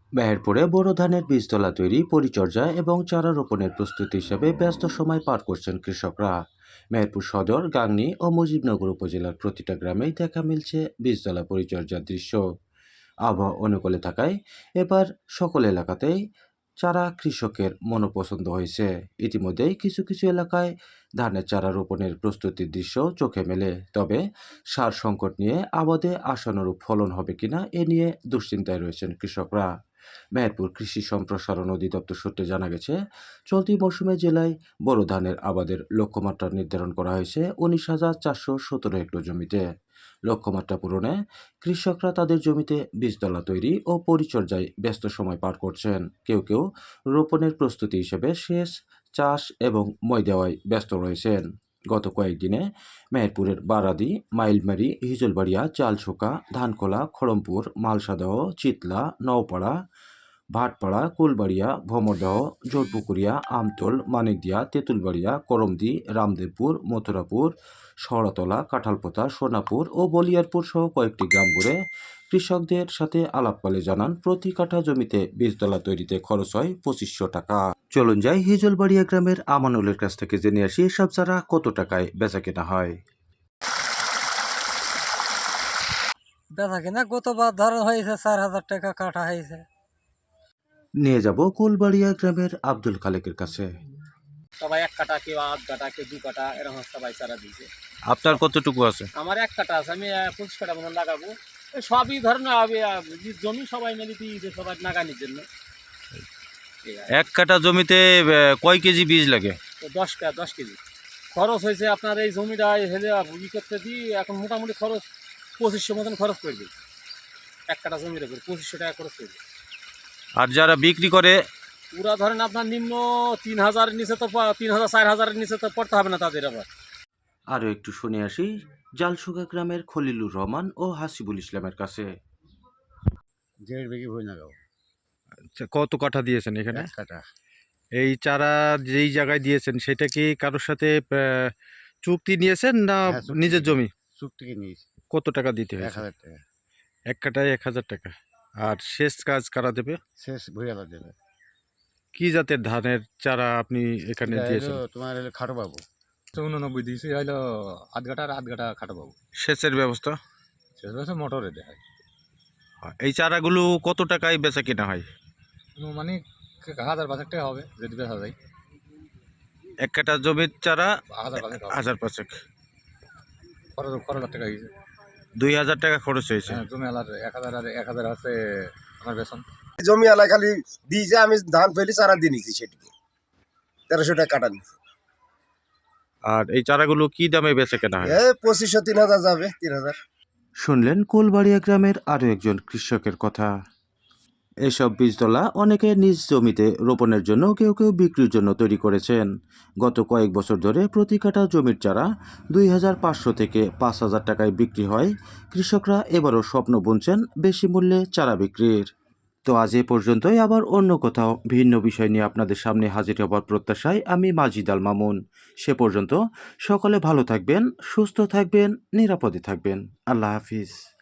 মেহেরপুরে বোরো ধানের বীজতলা তৈরি, পরিচর্যা এবং চারা রোপণের প্রস্তুতি হিসেবে ব্যস্ত সময় পার করছেন কৃষকরা। মেহেরপুর সদর, গাংনী ও মুজিবনগর উপজেলার প্রতিটা গ্রামেই দেখা মিলছে বীজতলা পরিচর্যার দৃশ্য। আবহাওয়া অনুকূলে থাকায় এবার সকল এলাকাতেই চারা কৃষকের মনোপছন্দ হয়েছে। ইতিমধ্যেই কিছু কিছু এলাকায় ধানের চারা রোপণের প্রস্তুতির দৃশ্য চোখে মেলে। তবে সার সংকট নিয়ে আবাদে আশানুরূপ ফলন হবে কিনা এ নিয়ে দুশ্চিন্তায় রয়েছেন কৃষকরা। মেহেরপুর কৃষি সম্প্রসারণ অধিদপ্তর সূত্রে জানা গেছে, চলতি মৌসুমে জেলায় বোরো ধানের আবাদের লক্ষ্যমাত্রা নির্ধারণ করা হয়েছে 19,417 হেক্টর জমিতে। লক্ষ্যমাত্রা পূরণে কৃষকরা তাদের জমিতে বীজতলা তৈরি ও পরিচর্যায় ব্যস্ত সময় পার করছেন। কেউ কেউ রোপণের প্রস্তুতি হিসেবে সেচ, চাষ এবং মই দেওয়ায় ব্যস্ত রয়েছেন। গত কয়েকদিনে মেহেরপুরের বারাদি, মাইলমারি, হিজলবাড়িয়া, চালছোকা, ধানখোলা, খড়মপুর, মালসাদহ, চিতলা, নওপাড়া, ভাটপাড়া, কুলবাড়িয়া, ভমরদহ, জোরপুকুরিয়া, আমতল, মানিকদিয়া, তেঁতুলবাড়িয়া, করমদি, রামদেবপুর, মথুরাপুর, শহরতলা, কাঁঠালপোতা, সোনাপুর ও বলিয়ারপুর সহ কয়েকটি গ্রাম ঘুরে কৃষকদের সাথে আলাপকালে জানান, প্রতি কাঠা জমিতে বীজতলা তৈরিতে খরচ হয় 2500 টাকা। চলুন যাই হিজলবাড়িয়া গ্রামের আমানুলের কাছ থেকে জেনে আসি এসব চারা কত টাকায় বেচা কেনা হয়। বেচা কিনা গতবার ধরো হয়েছে 4,000 টাকা কাঠা হয়েছে। নিয়ে যাব কুলবাড়িয়া গ্রামের আব্দুল খালেকের কাছে। সবাই 1 কাঠা, কেউ আধ কাঠা, কেউ 2 কাঠা, এরকম সবাই চারা দিয়েছে। আপনার কতটুকু আছে? আমার 1 কাঠা আছে, আমি 25 কাঠা মতন লাগাবো। সবই ধরেন জমি সবাই মিলে দিয়েছে, সবাই লাগানোর জন্য। 1 কাঠা জমিতে কয় কেজি বীজ লাগে? তো 10 কেজি খরচ হয়েছে। আপনার এই জমিটা হেলে ই করতে দিই, এখন মোটামুটি খরচ 2500 মতন খরচ করে দিই। 1 কাঠা জমির উপর 2500 টাকা খরচ করে দিই। আর যারা বিক্রি করে? পুরা ধরেন আপনার নিম্ন 3000-এর নিচে তো 3000-4000-এর নিচে তো পড়তে হবে না তাদের। আবার আরও একটু শুনে আসি জালসুগা গ্রামের খলিলুর রহমান ও হাসিবুল ইসলামের কাছে। 1.5 বিঘি ভুঁই লাগাবো। আচ্ছা, কত কাঠা দিয়েছেন এখানে? 1 কাঠা। এই চারা যেই জায়গায় দিয়েছেন সেটা কি কারোর সাথে চুক্তি নিয়েছেন না হ্যাঁ, চুক্তি নিজের থেকে। জমি? চুক্তিকে নিয়েছি। কত টাকা দিতে হয়েছে? 1000 টাকা। 1 কাঠায় 1000 টাকা। আর শেষ কাজ কারা দেবে? শেষ ভুঁইয়ালা দেবে। কি জাতের ধানের চারা আপনি এখানে এটা দিয়েছেন? হলো তোমার হলো খাটো বাবু। 89 দিয়েছি, হইলো আধ ঘাটা আর আধ ঘাটা খাটো পাবো। সেচের ব্যবস্থা? শেষ বয়সে মোটরে দেয়। এই চারাগুলো কত টাকায় বেচা কেনা হয়? মানে 1000-500 টাকা হবে যদি বেচা যায়। 1 কাঠা জমির চারা 1000-500 হবে। 1005। খরচ টাকা গেছে। 2000 টাকা খরচ হয়েছে। হ্যাঁ, জমি আলার 1000 আর 1000 আছে আমার বেতন। জমি আলাদা খালি দিয়েছে, আমি ধান ফেলি চারা দিয়ে নিছি, সেটিকে 1300 টাকা কাটা নিছি। আর এই চারাগুলো কি দামে বেচা কেনা হয়? 2500 3000 যাবে, 3000। শুনলেন কুলবাড়িয়া গ্রামের আরও একজন কৃষকের কথা। এসব বীজতলা অনেকে নিজ জমিতে রোপণের জন্য, কেউ কেউ বিক্রির জন্য তৈরি করেছেন। গত কয়েক বছর ধরে প্রতি কাঠা জমির চারা 2500 থেকে 5000 টাকায় বিক্রি হয়। কৃষকরা এবারও স্বপ্ন বুনছেন বেশি মূল্যে চারা বিক্রির। তো আজ এ পর্যন্তই। আবার অন্য কোথাও ভিন্ন বিষয় নিয়ে আপনাদের সামনে হাজির হবার প্রত্যাশায় আমি মাজিদ আল মামুন। সে পর্যন্ত সকলে ভালো থাকবেন, সুস্থ থাকবেন, নিরাপদে থাকবেন। আল্লাহ হাফিজ।